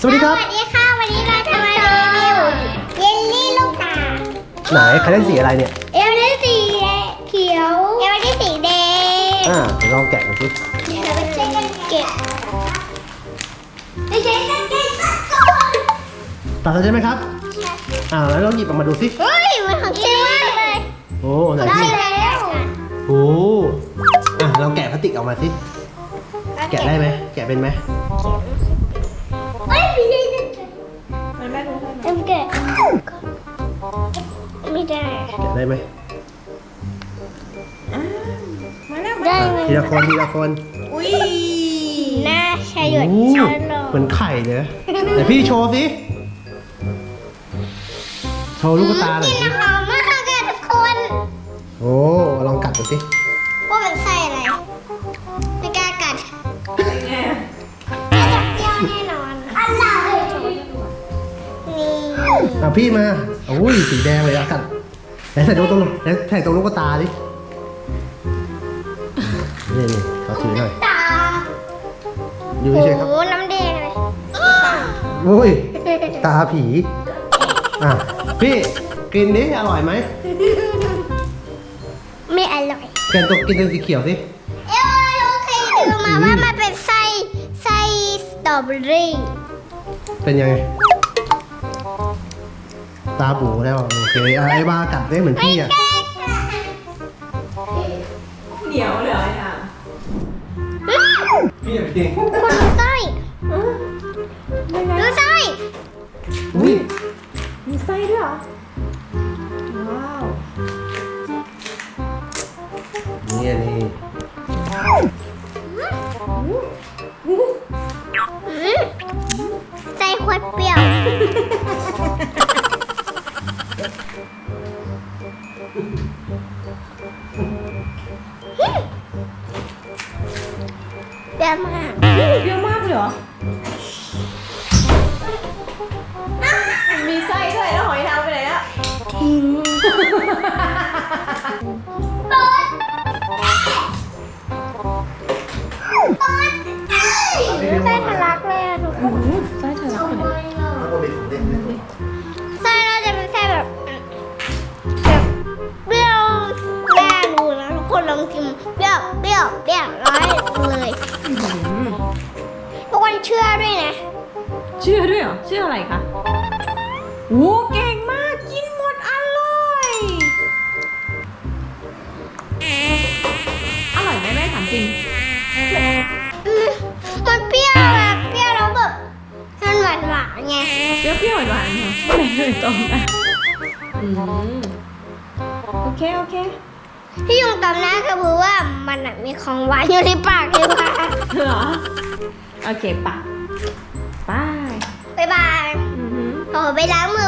สวัสดีครับสวัสดีค่ะวันนี้เราจะมารีวิวเยลลี่ลูกตาไหนใครเล่นสีอะไรเนี่ยเอลลี่สีเขียวเอลลี่สีแดงเดี๋ยวลองแกะกันสิเราไปใช้กันเก็บไปใช้กันเก็บก่อนตัดแล้วใช่ไหมครับแล้วลองหยิบออกมาดูสิเฮ้ยมันของจริงมากเลยโอ้ไหนได้สิแล้วโอ้ลองแกะพลาสติกออกมาสิแกะได้ไหมแกะเป็นไหมเฮ้ยไม่ได้มันแม่รู้ไหมเอ็มแกะไม่ได้แกะได้ไหมมาแล้วได้ไหมทีละคนทีละคนอุ้ยหน้าชายหยดโอ้ช้อนลงเหมือนไข่เลยนะไหนพี่โชว์สิโชว์ลูกตาหน่อยกิสินหอมมากค่ะทุกคนโอ้ลองกัดดูสิว่ามันใส่อะไรไม่กล้ากัดเป็นไงน่าจะเปรี้ยวแน่นอนอะไรนี่พี่มาโอ้ยสีแดงเลยกัดไหนใส่ตรงใส่ตรงลูกตาดินี่เขาถือหน่อยตาอยู่เฉยๆครับโอ้น้ำแดงเลยโอ้ยตาผีพี่กินดิอร่อยไหมไม่อร่อยกินตัวสีเขียวสิโอเคดูมาว่ามันเป็นไส้สตรอเบอรี่เป็นยังไงตาบูแล้วโอเคไอ้บ้ากัดได้เหมือนพี่อ่ะเหนียวเลยอ่ะพี่พี่คนดูไส้ดูไส้อุ้ยมีไส้ด้วยเหรอ ว้าวนี่ไส้ขวดเปรี้ยวเปรี้ยวมากเยอะมากเลยเหรอ มีไส้ด้วยแล้วหอยทากไปไหนแล้วทิ้งไส้ทะลักเลยอะทุกคนไส้ทะลักไปไหนไส้เราจะเป็นไส้แบบเปรี้ยวแม่ดูนะทุกคนลองกินเปรี้ยวร้อยเลยทุกคนเชื่อด้วยนะเชื่อด้วยเหรอ เชื่ออะไรคะโอ้เก่งมาก กินหมดอร่อย อร่อยไหมแม่ถามจริงมันเปรี้ยวแบบเปรี้ยวแล้วแบบมันหวานไงเปรี้ยวๆหวานๆเหรอไม่เลยตรงนะโอเคที่ยุงตำหน้าก็คือว่ามันอะมีของหวานอยู่ในปากเลยค่ะเหรอ โอเคปะบายบ๊ายบายอือหือโอ้ไปล้างมือ